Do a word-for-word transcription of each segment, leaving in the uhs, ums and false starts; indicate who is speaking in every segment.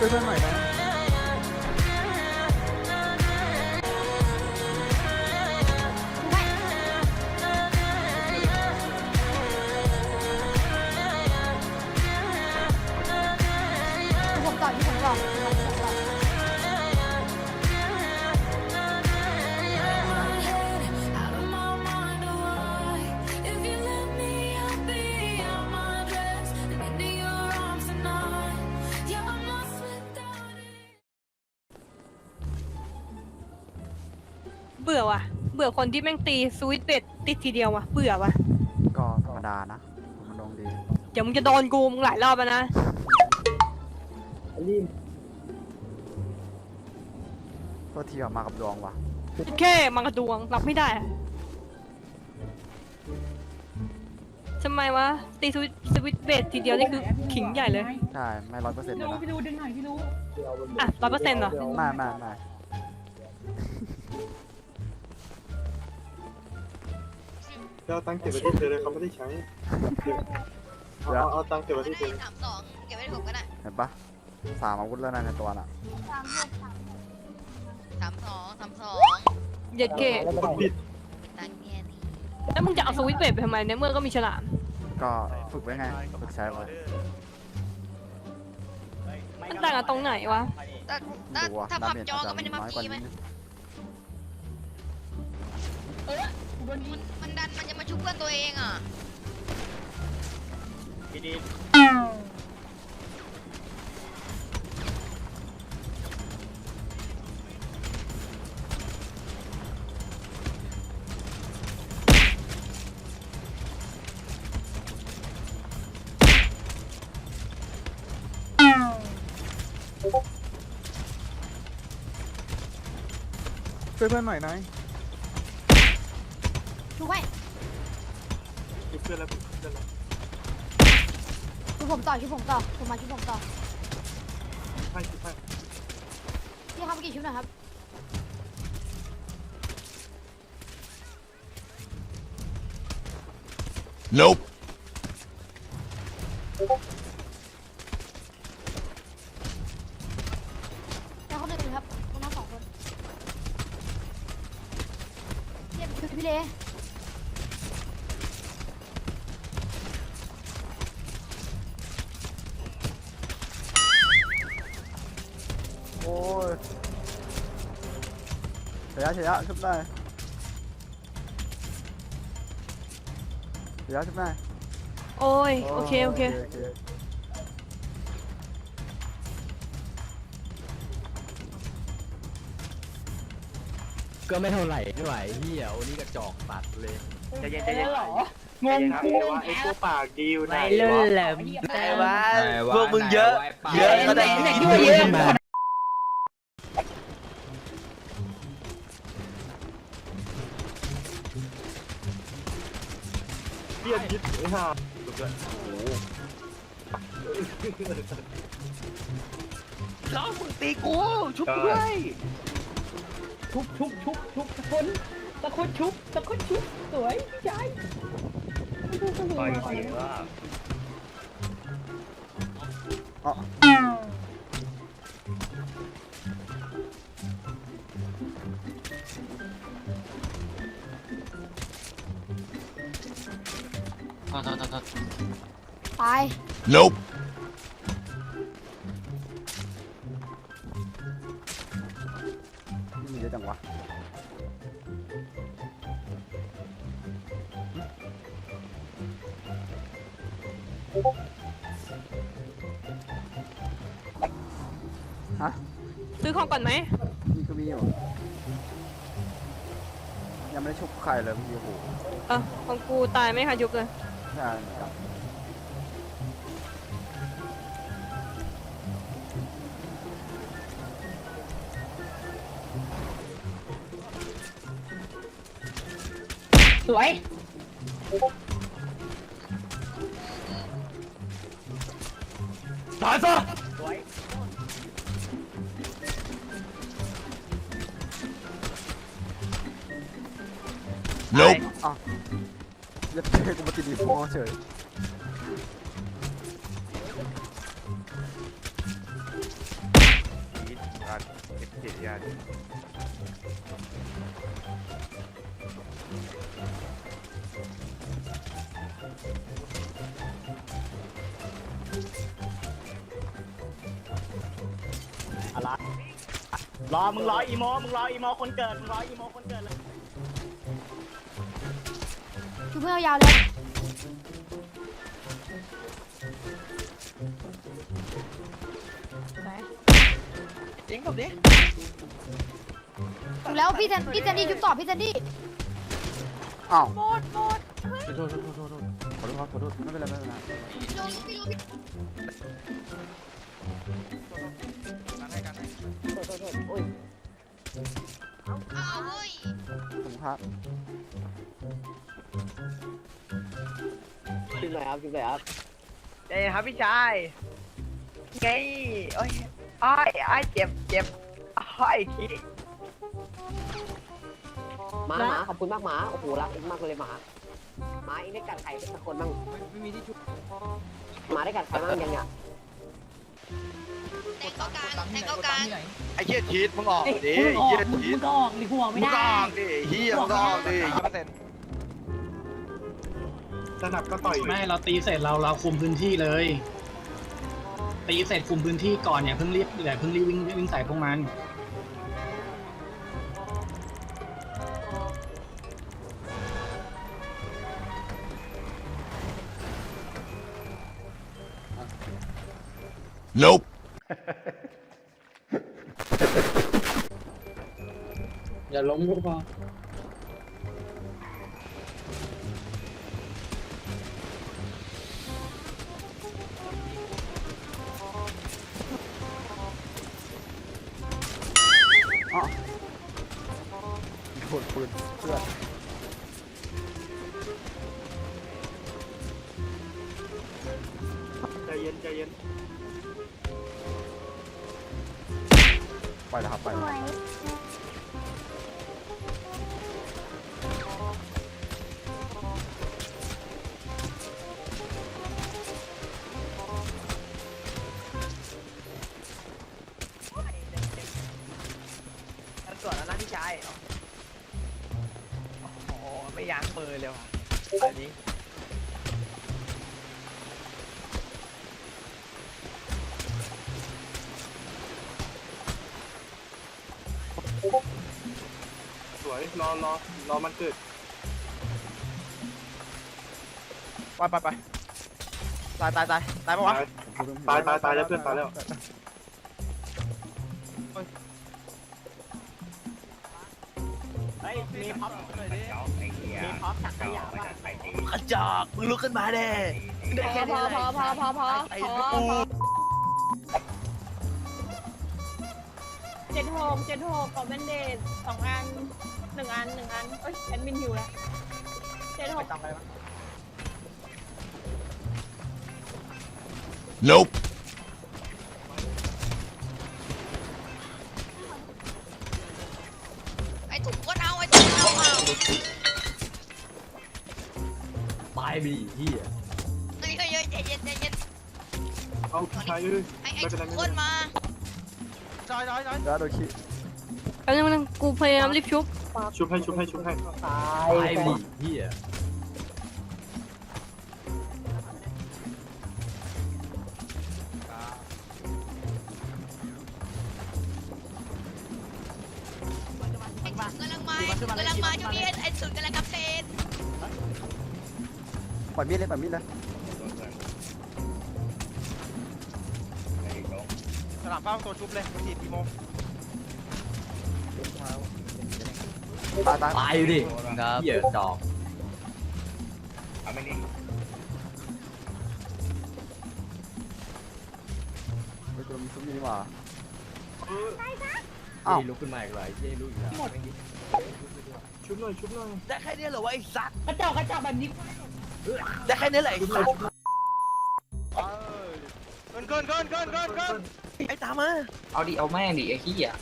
Speaker 1: วยเพื่อนหน่อยนะ
Speaker 2: ผมต่อที่ผมต่อ
Speaker 3: เบื่อว่ะเบื่อคนที่แม่งตีสวิตช์เบ็ดติดทีเดียวว่ะเบื่อว่ะ
Speaker 1: ก็ธรรมดานะมันลงดี
Speaker 3: เดี๋ยวมึงจะโดนกูมึงหลายรอบแล้วนะ
Speaker 1: ก็ทีออกมากับดวงว่ะ
Speaker 3: แค่มังกรดวงรับไม่ได้ทำไมวะตีสวิตสวิตเบสทีเดียวนี่คือขิงใหญ่เลย
Speaker 1: ใช่ไม่ร้อยเปอร์เซ็นต์เลยนะ
Speaker 4: พี่รู้ดึงหน่อยพี่รู้
Speaker 3: อ่ะร้อยเปอร์เซ็นต์เหรอ
Speaker 1: ไม่ไม่ไม่
Speaker 5: เอาตังค์เก็บไว้ที่เธอเลยเขาไม่ได้ใช้เอาเอาตังค์เก็บไว้ที่เธอ
Speaker 6: สามสองเก็บไว้ผมก็ได้
Speaker 1: เห็นปะสามอาวุธแล้วนะในตัวน่ะ
Speaker 6: สามสองสามสอง
Speaker 3: เย็ดเกะ
Speaker 5: ผิด
Speaker 6: ตังเงี้ยนี่
Speaker 3: แล้วมึงจะเอาสวิตช์เบสไปทำไมในเมื่อก็มีฉลาม
Speaker 1: ก็ฝึกไว้ไงฝึกใช้ไว้
Speaker 3: มันต่างกันตรงไหนวะ
Speaker 6: ถ้าถ้าถ้าพับจอก็ไม่ได้มาพีไหมมันมันดันมันจะมาชุบเพื่อนตัวเองอ่ะดี
Speaker 1: ช่วยเพื่อนหน่อยนาย
Speaker 2: ดูไว้
Speaker 5: ชุบเพื่อนแล้วชุบเพื่อนแล้ว
Speaker 2: ชุบผมต่อชุบผมต่อผมมาชุบผมต่อ
Speaker 5: ให้ชุบให้
Speaker 2: พี่ครับเมื่อกี้ชุบหน่อยครับ
Speaker 7: Nope
Speaker 2: แล้วเขาหนึ่งครับคนน้องสองคนเรียบชุบพี่เล่
Speaker 1: โอ้ยเสียเสียชุบได้เสียชุบได้
Speaker 3: โอ้ยโอเคโอเค
Speaker 8: ก็ไม่เท่าไหร่ไม่ไหวพี่อ่ะโอ้นี่กระจอกตัดเลย
Speaker 4: จะเย็นจะเย็นหรองง
Speaker 5: ครับว่าไอ้ตัวปากดีอยู่ไหน
Speaker 4: เล่นแหลม
Speaker 8: แต่ว่า
Speaker 7: พวกมึงเยอะเยอะก็
Speaker 4: ไหน
Speaker 7: ได้
Speaker 4: ไหนที่ว่าเยอะ
Speaker 5: เพี้ยนยิบไอ้ห่า
Speaker 7: ล้อมึงตีกูชุบด้วย
Speaker 4: ชุบชุบชุบชุบตะคนตะคนชุบตะคนชุบสวยใจ
Speaker 5: ปล่อยจริงว่า
Speaker 1: อ๋อ
Speaker 2: ตาย
Speaker 7: Nope
Speaker 1: มีเยอะจังวะฮะ
Speaker 3: ซื้อของก่อนไหม
Speaker 1: มีก็มีอยู่ยังไม่ได้ชุบใครเลยพี่โอ้โห
Speaker 3: เออของกูตายไม่ค่ะยุบเลย
Speaker 1: ใช่ครับ
Speaker 4: สวย
Speaker 7: ตายซะ Nope
Speaker 1: อ่ะเล็บเท่กูมาติดดีฟอเฉย
Speaker 7: ยาดิ
Speaker 4: อะไรรอมึงรออีโมมึงรออีโมคนเกิดมึงรออีโมคนเกิดเลย
Speaker 2: ชุบเพื่อนยาวเลย
Speaker 7: เอ็งกับดิ
Speaker 2: ชุบแล้วพี่แซนพี่แซนดี้ชุบต่อพี่แซนดี้
Speaker 1: อ้าว
Speaker 3: หมดหมด
Speaker 1: โทษโทษโทษโทษโทษขอโทษครับขอโทษไม่เป็นไรไม่เป็นไร
Speaker 6: ลงพี่ลงพี่
Speaker 7: กันให้กันให้
Speaker 6: อ้าวเฮ้ย
Speaker 1: ผมครับ
Speaker 4: ชิมหน่อยครับชิมหน่อยครับ
Speaker 7: ใจเย็นครับพี่ชายไงโอ้ยอ้ายอ้ายเจ็บเจ็บอ้ายที
Speaker 4: หมาหมาขอบคุณมากหมาโอ้โหรักเองมากเลยหมาหมาเองได้กัดใครสักคนบ้าง
Speaker 1: ไม่มีที่ชุบ
Speaker 4: หมาได้กัดใครบ้างยังเนี่ย
Speaker 6: แทงเข้ากลางแทงเข้ากลาง
Speaker 7: ไอ้เหี้ยชีตมึงออกดิไอ้เหี้ยชีต
Speaker 4: ก็ออกหรือหัวไม่
Speaker 7: มึง
Speaker 4: ได้
Speaker 7: ก็ออกดิเหี้ยมึงก็ออกดิยี่เปอร์เซ็นต์
Speaker 5: สนับก็ต่อย
Speaker 9: ไม่เราตีเสร็จเราเราคุมพื้นที่เลย ตีเสร็จคุมพื้นที่ก่อนอย่าเพิ่งรีบอย่าเพิ่งรีบวิ่งวิ่งใส่พวกมัน
Speaker 10: Nope.
Speaker 9: อย่าล้มก็พอ
Speaker 1: อ๋อโดนปืนเพื่อน
Speaker 5: ใจเย็นใจเย็น
Speaker 1: ไปแล้วครับไปแล้ว
Speaker 7: มันส่วนแล้วนะพี่ชายโอ้โหไม่ยั้งมือเลยว่ะอันนี้
Speaker 5: สวยรอรอรอมันเกิด
Speaker 7: ไปไปไปตายตายตายตายปะวะ
Speaker 5: ตายตายตายตายแล้วเพื่อนตายแล้ว
Speaker 4: เฮ้ยมีพ็อปมีพ็อปถักขยะป่ะ
Speaker 7: กระจอกมึงลุกขึ้นมาเด้ได้แค่
Speaker 2: พ
Speaker 7: นี้
Speaker 2: อ
Speaker 7: เลย
Speaker 2: พอพอพอพอ
Speaker 7: ไอ้
Speaker 2: พอ
Speaker 7: กู
Speaker 2: พอเจ็ดหกเจ็ดหกขอแบนเดดสองอันหนึ่งอันหนึ่งอันเอ้ยแอดมินหิวแล้วเจ็ดหก
Speaker 7: จำไปปะ
Speaker 10: Nope.
Speaker 6: ไอ้ถุงก็เอาไอ้ถุงก็เอาเอา
Speaker 8: ตายไปดิเฮีย
Speaker 6: เฮ้ยเฮ้ยเฮ้ยใจเย็นใจเย็น
Speaker 5: เอาพี่ชายเอ้ย
Speaker 6: ไอ้ไอ้
Speaker 5: ไม่เป็น
Speaker 6: ถุ
Speaker 5: ไรง ไม่
Speaker 6: ค
Speaker 5: เป็น
Speaker 6: น
Speaker 5: ไร
Speaker 6: มา
Speaker 7: จอยจอยจอย
Speaker 1: แล้วโดนขี้
Speaker 3: แป๊บนึงแป๊บนึงกูพยายามรีบชุบ
Speaker 5: ชุบให้ชุบให้ชุบให้
Speaker 4: ตาย
Speaker 8: ตายไปดิเฮีย
Speaker 6: ไอ้ถุงกำลังมาไอ้ถุงกำลังมาช่วงนี้ไอ้ไอ้ถุงกำลังกำเพลน
Speaker 1: ปล่อยมีดเลยปล่อยมีดเลย
Speaker 7: สนามเป้าตัวชุบเลยมันถีบกี่โมง
Speaker 1: ตายตาย
Speaker 8: ตายไปดิเฮียจอก
Speaker 1: ไปตัวมีชุบมีนี่หว่า
Speaker 5: เออ
Speaker 1: อ้าว
Speaker 8: เฮ้ยลุกขึ้นมาอีกเลยเฮ้ยลุกอีกแล้ว
Speaker 5: ชุบหน่อยชุบหน่อย
Speaker 7: ได้แค่นี้เหรอวะไอ้สัตว์
Speaker 4: กระจอกกระจอกแบบนี้
Speaker 7: ได้แค่นี้แหละไอ้สัตว์เกินเกินเกินเกินเกินเกินไอ้ตามมา
Speaker 9: เอาดิเอาแม่งดิไอ้ขี้อ่ะ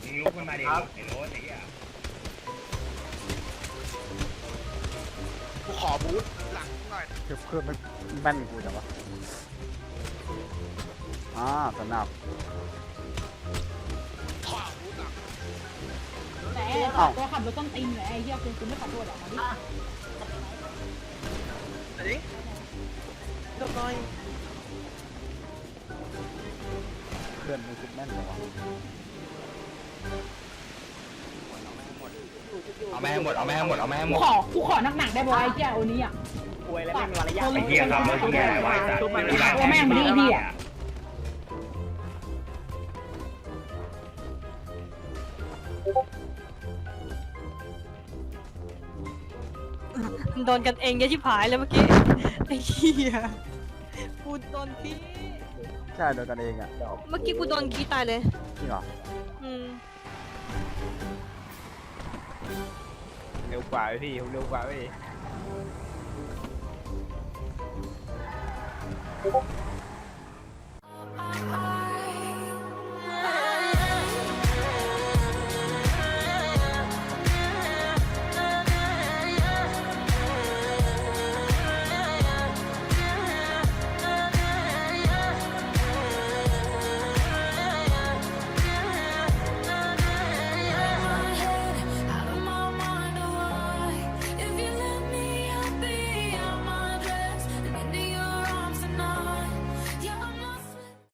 Speaker 7: กูขอบูทหลังหน่อย
Speaker 1: เก็บเพื่อนมันแม่นกูจังวะอ่าสนับ
Speaker 7: ขอบูทหลัง
Speaker 4: ตัวขับรถต้นตีนไหนไอ้เหี้ยคุณคุณไม่ขอโทษหรอมาดิ
Speaker 7: อันนี้จบหน่อย
Speaker 1: เพื่อนมึงคิดแม่นเหรอวะ
Speaker 8: เอาแม่หมดเอาแม่หมดเอาแม่หม
Speaker 4: กู
Speaker 8: ด
Speaker 4: ขอกูขอหนักๆได้บ่ไอ้เหี้ยโอนี้อ่ะ
Speaker 7: ป่วยแล้วไม่มีมารยาท
Speaker 4: ไอ้เหี้ยครับไอ้เหี้ยไว้จัดตัวแม่งมาดิไอ้เหี้ย
Speaker 3: โดนกันเองเยอะชิบหายเลยเมื่อกี้ไอ้เหี้ยกูโดนขี้
Speaker 1: ใช่โดนกันเองอ่ะ
Speaker 3: เมื่อกี้กูโดนขี้ตายเลย
Speaker 1: จริงเหรอ
Speaker 3: อืม
Speaker 7: เร็วกว่าพี่เร็วกว่าพี่